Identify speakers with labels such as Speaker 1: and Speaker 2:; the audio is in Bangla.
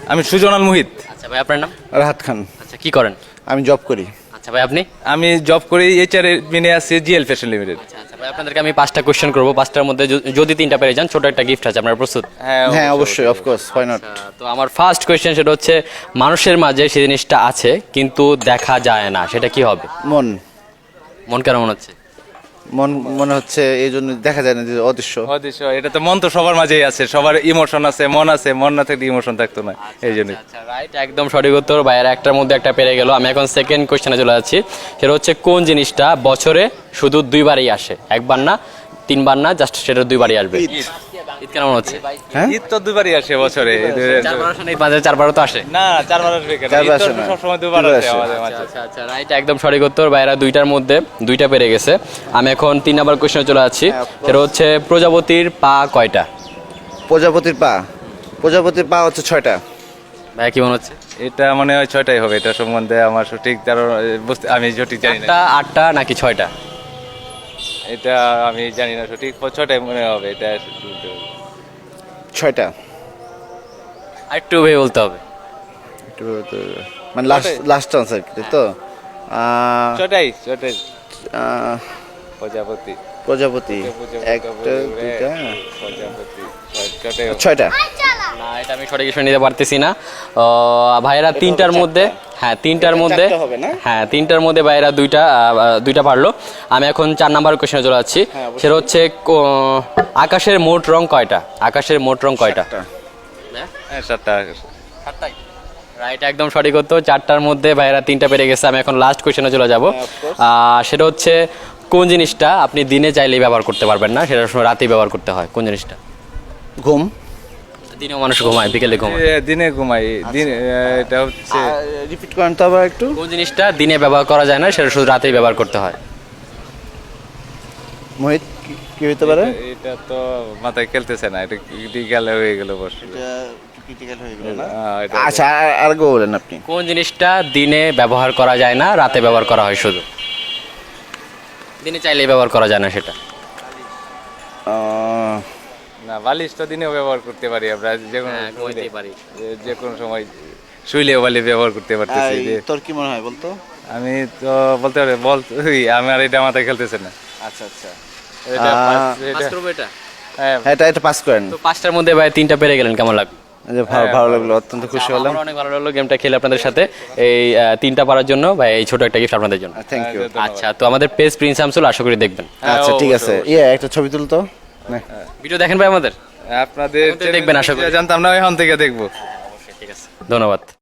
Speaker 1: আমি সুজনাল মোহিত।
Speaker 2: আচ্ছা ভাই, আপনার নাম?
Speaker 3: রাহাত খান।
Speaker 2: আচ্ছা, কি করেন?
Speaker 3: আমি জব করি।
Speaker 2: আচ্ছা ভাই, আপনি?
Speaker 1: আমি জব করি এইচআর এর মেনে আছি জিএল ফ্যাশন লিমিটেড।
Speaker 2: আচ্ছা আচ্ছা ভাই, আপনাদেরকে আমি 5টা কোশ্চেন করবো। 5টার মধ্যে যদি 3টা পেরে যান, ছোট একটা গিফট আছে। আপনারা প্রস্তুত?
Speaker 3: হ্যাঁ অবশ্যই, অফকোর্স, হোয়াই নট।
Speaker 2: তো আমার ফার্স্ট কোয়েশ্চেন সেটা হচ্ছে, মানুষের মাঝে সেই জিনিসটা আছে কিন্তু দেখা যায় না, সেটা কি হবে?
Speaker 3: মন।
Speaker 2: মন কেন মনে হচ্ছে?
Speaker 3: মন মনে হচ্ছে এই জন্য দেখা যায় না, যে অদৃশ্য।
Speaker 1: অদৃশ্য, এটা তো মন তো সবার মাঝেই আছে, সবার ইমোশন আছে, মন আছে, মন না থাকলে ইমোশন থাকতো না, এই জন্যই।
Speaker 2: আচ্ছা রাইট, একদম সঠিক উত্তর। বাইরে একটার মধ্যে একটা পেরে গেল। আমি এখন সেকেন্ড কোয়েশ্চেনে চলে যাচ্ছি। সেটা হচ্ছে, কোন জিনিসটা বছরে শুধু 2বারই আসে? একবার না, 3বার না, জাস্ট সেটা 2বারই আসবে? ঈদ কেন মনে হচ্ছে?
Speaker 3: হ্যাঁ,
Speaker 1: ঈদ তো দুবারই আসে বছরে।
Speaker 2: 4বার আসে না? ঈদ মাঝে 4বারও তো আসে।
Speaker 1: না, 4বার আসবে কেন?
Speaker 3: চারবার
Speaker 1: ঈদ তো
Speaker 3: আসে না।
Speaker 1: সবসময় দুবার
Speaker 3: দুবার
Speaker 1: আসে
Speaker 3: আসে।
Speaker 1: আমাদের মাঝে।
Speaker 2: আচ্ছা আচ্ছা রাইট, একদম সঠিক উত্তর। বাইরা 2টার মধ্যে 2টা পেরে গেছে। আমি এখন 3 নাম্বার কোয়েশ্চেনে চলে যাচ্ছি। সেটা হচ্ছে, প্রজাপতির পা কয়টা?
Speaker 3: প্রজাপতির পা। প্রজাপতির পা হচ্ছে 6টা।
Speaker 2: ভাইয়া কি মনে হচ্ছে?
Speaker 1: এটা মনে হয় 6টাই হবে। এটা সম্বন্ধে আমার সঠিক আমি সঠিক জানি না।
Speaker 2: 8টা নাকি 6টা?
Speaker 1: এটা আমি জানি না সঠিক, 6টাই মনে হবে এটা।
Speaker 3: 6টা।
Speaker 2: আরেকটু ভেবে বলতে হবে।
Speaker 3: মানে লাস্ট আনসার কি তো?
Speaker 1: 6টাই প্রজাপতি।
Speaker 3: প্রজাপতি
Speaker 1: প্রজাপতি,
Speaker 3: একটা, দুইটা,
Speaker 1: প্রজাপতি, 6টাই হবে।
Speaker 3: 6টা।
Speaker 2: না, এটা আমি সঠিক কিছু নিতে পারতেছি না। ভাইয়েরা 3টার মধ্যে, হ্যাঁ 3টার মধ্যে,
Speaker 3: চারটা হবে না?
Speaker 2: হ্যাঁ 3টার মধ্যে ভাইয়েরা 2টা পারলো। আমি এখন 4 নাম্বার কোয়েশ্চেনে চলে যাচ্ছি। সেটা হচ্ছে, আকাশের মোট রং কয়টা? আকাশের মোট রং কয়টা?
Speaker 1: হ্যাঁ, 7টা।
Speaker 2: রাইট, একদম সঠিক উত্তর। 4টার মধ্যে ভাইয়েরা 3টা পেরে গেছে। আমি এখন লাস্ট কোয়েশ্চেনে চলে যাব। সেটা হচ্ছে, কোন জিনিসটা আপনি দিনে চাইলেই ব্যবহার করতে পারবেন না, সেটা সময় রাতেই ব্যবহার করতে হয়? কোন জিনিসটা?
Speaker 3: ঘুম।
Speaker 2: দিনেও মানুষ ঘুমায়, বিকেলে ঘুমায়।
Speaker 1: দিনে ঘুমাই। দিনে এটা হচ্ছে
Speaker 3: রিপিট করেন তো আবার একটু।
Speaker 2: কোন জিনিসটা দিনে ব্যবহার করা যায় না, সেটা শুধু রাতেই ব্যবহার করতে হয়?
Speaker 3: মোহিত, কি হতে পারে?
Speaker 1: এটা তো মাথায় খেলতেছে না, এটা ক্রিটিক্যাল হয়ে গেল বসে।
Speaker 3: আচ্ছা, আর গো বলেন আপনি।
Speaker 2: কোন জিনিসটা দিনে ব্যবহার করা যায় না, রাতে ব্যবহার করা হয় শুধু? দিনে চাইলেই ব্যবহার করা যায় না সেটা?
Speaker 1: না, বালিশ তো দিনেও ব্যবহার করতে পারি আমরা, যে কোনো
Speaker 2: ঘুমাইতেই পারি।
Speaker 1: যে কোনো সময় শুইলেও বালিশ ব্যবহার করতে পারতেছি। যে
Speaker 3: তোর কি মনে হয় বলতো?
Speaker 1: আমি তো বলতে পারি, আমার এটা মাথায় খেলতেছে না।
Speaker 3: আচ্ছা আচ্ছা,
Speaker 1: এটা
Speaker 2: পাস করবো এটা?
Speaker 1: হ্যাঁ,
Speaker 3: এটা পাস করেন।
Speaker 2: তো 5টার মধ্যে ভাই 3টা পেরে গেলেন, কেমন লাগলো?
Speaker 3: ভালো লাগলো, অত্যন্ত খুশি হলাম।
Speaker 2: আমার অনেক ভালো লাগলো গেমটা খেলে আপনাদের সাথে। এই 3টা পারার জন্য ভাই এই ছোট একটা গিফট আপনাদের জন্য।
Speaker 3: Thank you.
Speaker 2: আচ্ছা, তো আমাদের পেজ প্রিন্স শামসুল, আশা করি দেখবেন।
Speaker 3: আচ্ছা ঠিক আছে, একটা ছবি তুলতো।
Speaker 2: ভিডিও দেখেন ভাই আমাদের?
Speaker 1: আপনাদের
Speaker 2: দেখবেন আশা করি।
Speaker 1: জানতাম না, এখন থেকে দেখবো।
Speaker 2: ঠিক আছে, ধন্যবাদ।